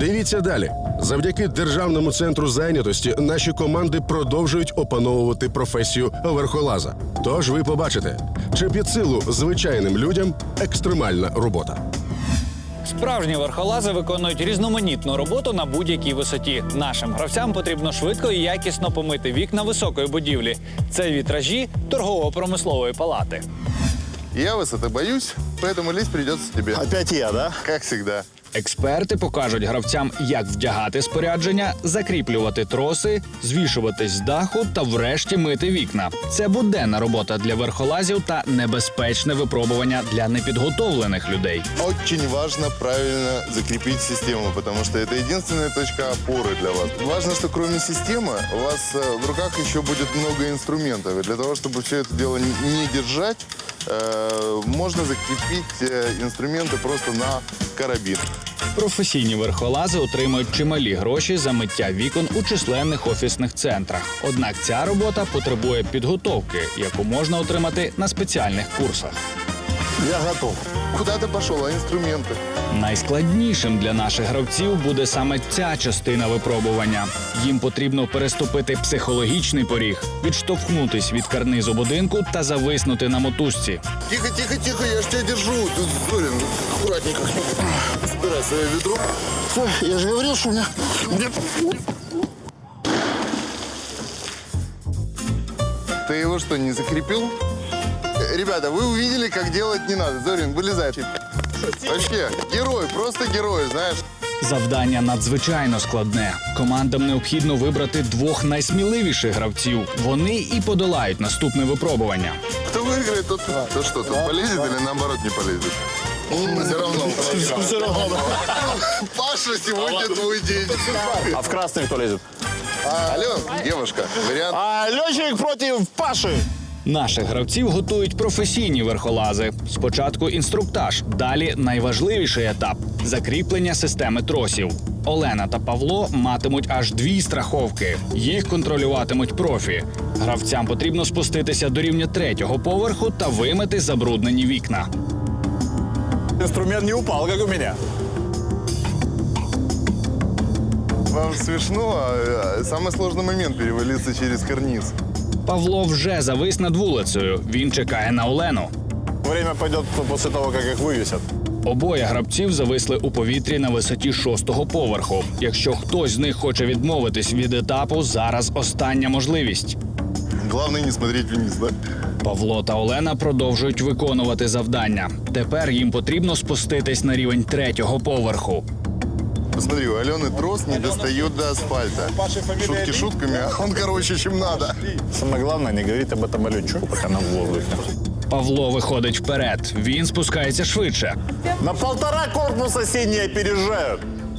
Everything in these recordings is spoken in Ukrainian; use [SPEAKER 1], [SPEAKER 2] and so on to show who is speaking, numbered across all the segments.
[SPEAKER 1] Дивіться далі. Завдяки Державному центру зайнятості наші команди продовжують опановувати професію верхолаза. Тож ви побачите, чи під силу звичайним людям екстремальна робота.
[SPEAKER 2] Справжні верхолази виконують різноманітну роботу на будь-якій висоті. Нашим гравцям потрібно швидко і якісно помити вікна високої будівлі. Це вітражі торгово-промислової палати.
[SPEAKER 3] Я высоты боюсь, поэтому лезть придется тебе.
[SPEAKER 4] Опять я, да?
[SPEAKER 3] Как всегда.
[SPEAKER 2] Експерти покажуть гравцям, як вдягати спорядження, закріплювати троси, звішуватись з даху та врешті мити вікна. Це буденна робота для верхолазів та небезпечне випробування для непідготовлених людей.
[SPEAKER 3] Очень важно правильно закрепить систему, потому что это единственная точка опоры для вас. Важно, что кроме системы у вас в руках еще будет много инструментов. И для того, чтобы все это дело не держать, можно закрепить инструменты просто на карабин.
[SPEAKER 2] Професійні верхолази отримують чималі гроші за миття вікон у численних офісних центрах. Однак ця робота потребує підготовки, яку можна отримати на спеціальних курсах.
[SPEAKER 4] Я готов.
[SPEAKER 3] Куда ты пошел, а инструменты?
[SPEAKER 2] Найскладнішим для наших гравців буде саме ця частина випробування. Їм потрібно переступити психологічний поріг, відштовхнутись від карнизу будинку та зависнути на мотузці.
[SPEAKER 3] Тихо, тихо, тихо, я ж тебя держу. Тут, Зорин, аккуратненько. Собирай свое ведро.
[SPEAKER 4] Я же говорил, что у меня...
[SPEAKER 3] Ты его что, не закрепил? Ребята, вы увидели, как делать не надо. Зорин, вылезай. Вообще, герой, просто герой, знаешь.
[SPEAKER 2] Завдання надзвичайно складне. Командам необхідно вибрати двох найсміливіших гравців. Вони і подолають наступне випробування.
[SPEAKER 3] Кто выиграет, тот что, тот полезет или наоборот не полезет? Все равно.
[SPEAKER 4] Все равно.
[SPEAKER 3] Паша, сегодня твой день.
[SPEAKER 4] А в красный кто лезет?
[SPEAKER 3] Алло, девушка, вариант.
[SPEAKER 4] А летчик против Паши.
[SPEAKER 2] Наших гравців готують професійні верхолази. Спочатку інструктаж, далі найважливіший етап – закріплення системи тросів. Олена та Павло матимуть аж 2 страховки. Їх контролюватимуть профі. Гравцям потрібно спуститися до рівня 3-го поверху та вимити забруднені вікна.
[SPEAKER 4] Инструмент не упал, как у меня.
[SPEAKER 3] Вам смешно, а самый сложный момент перевалиться через карниз.
[SPEAKER 2] Павло вже завис над вулицею. Він чекає на Олену.
[SPEAKER 4] Время пойдет после того, как их вывесят.
[SPEAKER 2] Обоє гравців зависли у повітрі на висоті 6-го поверху. Якщо хтось з них хоче відмовитись від етапу, зараз остання можливість.
[SPEAKER 3] Главное не смотреть вниз, да?
[SPEAKER 2] Павло та Олена продовжують виконувати завдання. Тепер їм потрібно спуститись на рівень 3-го поверху.
[SPEAKER 3] Посмотри, у Алены трос не достает до асфальта. Шутки шутками, а он короче, чем надо.
[SPEAKER 4] Самое главное, не говорить об этом летчику, пока на воздухе.
[SPEAKER 2] Павло виходить вперед. Він спускається швидше.
[SPEAKER 4] На 1,5 корпуса синие опережают.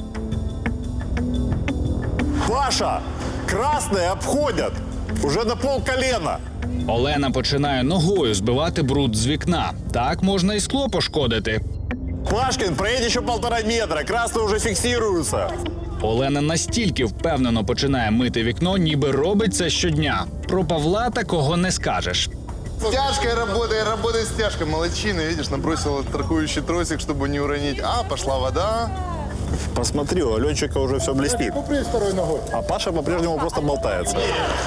[SPEAKER 4] Паша, красные обходят. Уже на полколена.
[SPEAKER 2] Олена починає ногою збивати бруд з вікна. Так можна і скло пошкодити.
[SPEAKER 4] Пашкин, проедь еще 1,5 метра. Красные уже фиксируются.
[SPEAKER 2] Олена настільки впевнено починає мити вікно, ніби робить це щодня. Про Павла такого не скажеш.
[SPEAKER 3] Стяжкой работает стяжкой. Молодчина, видишь, набросила страхующий тросик, чтобы не уронить. А, пошла вода.
[SPEAKER 4] Посмотри, у летчика уже все блестит. А Паша по-прежнему просто болтается.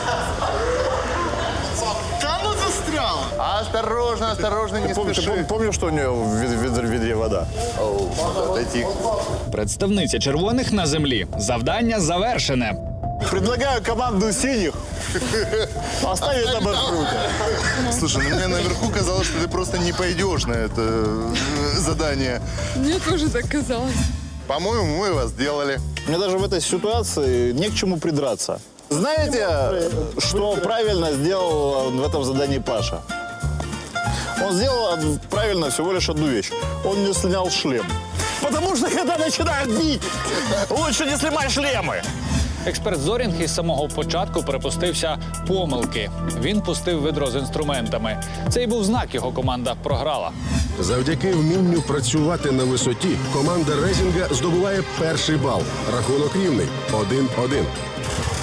[SPEAKER 3] Да ну застрял. Осторожно, осторожно, не спеши.
[SPEAKER 4] Помню, что у нее в ведре вода?
[SPEAKER 3] Отойти.
[SPEAKER 2] Представниця червоних на землі. Завдання завершене.
[SPEAKER 4] Предлагаю команду синих оставить на маршруте.
[SPEAKER 3] Слушай, ну мне наверху казалось, что ты просто не пойдешь на это задание.
[SPEAKER 5] Мне тоже так казалось.
[SPEAKER 3] По-моему, мы его сделали.
[SPEAKER 4] Мне даже в этой ситуации не к чему придраться. Знаете, что правильно сделал в этом задании Паша? Он сделал правильно всего лишь одну вещь. Он не снял шлем. Потому что когда начинают бить, лучше не снимать шлемы.
[SPEAKER 2] Експерт Зорінг із самого початку припустився помилки. Він пустив ведро з інструментами. Це й був знак, його команда програла.
[SPEAKER 1] Завдяки вмінню працювати на висоті команда Резінга здобуває перший бал. Рахунок рівний – 1-1.